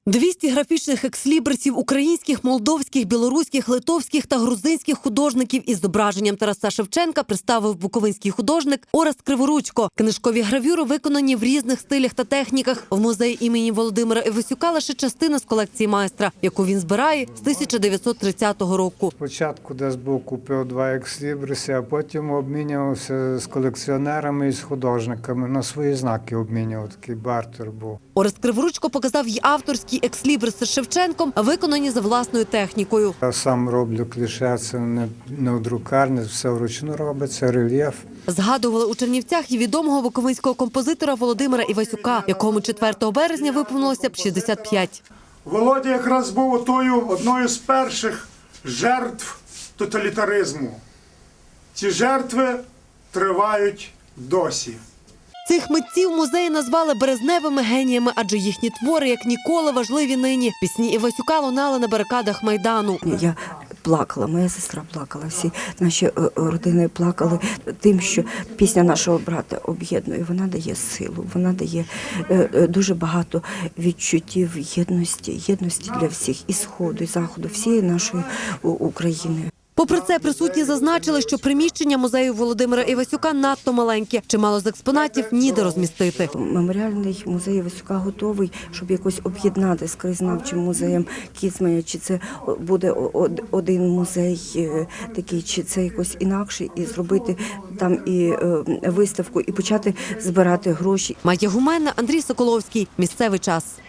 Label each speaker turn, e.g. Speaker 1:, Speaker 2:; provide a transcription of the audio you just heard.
Speaker 1: 200 графічних екслібрисів українських, молдовських, білоруських, литовських та грузинських художників із зображенням Тараса Шевченка представив буковинський художник Орест Криворучко. Книжкові гравюри виконані в різних стилях та техніках. В музеї імені Володимира Івасюка лише частина з колекції майстра, яку він збирає з 1930 року.
Speaker 2: Спочатку десь був купив 2 екслібриси, а потім обмінювався з колекціонерами і з художниками. На свої знаки обмінював, такий бартер був.
Speaker 1: Орест Криворучко показав й авторські екслібриси з Шевченком, виконані за власною технікою.
Speaker 2: Я сам роблю кліше, це не в друкарні, все вручну робиться, рельєф.
Speaker 1: Згадували у Чернівцях і відомого буковинського композитора Володимира Івасюка, якому 4 березня виповнилося б 65.
Speaker 3: Володя якраз був одною з перших жертв тоталітаризму. Ці жертви тривають досі.
Speaker 1: Цих митців музеї назвали березневими геніями, адже їхні твори, як ніколи, важливі нині. Пісні Івасюка лунали на барикадах Майдану.
Speaker 4: Я плакала, моя сестра плакала, всі наші родини плакали тим, що пісня нашого брата об'єднує. Вона дає силу, вона дає дуже багато відчуттів єдності для всіх, і Сходу, і Заходу, всієї нашої України.
Speaker 1: Попри це, присутні зазначили, що приміщення музею Володимира Івасюка надто маленьке. Чимало з експонатів ніде розмістити.
Speaker 4: Меморіальний музей Івасюка готовий, щоб якось об'єднати з краєзнавчим музеєм Кіцманя, чи це буде один музей такий, чи це якось інакше, і зробити там і виставку, і почати збирати гроші.
Speaker 1: Майя Гуменна, Андрій Соколовський. Місцевий час.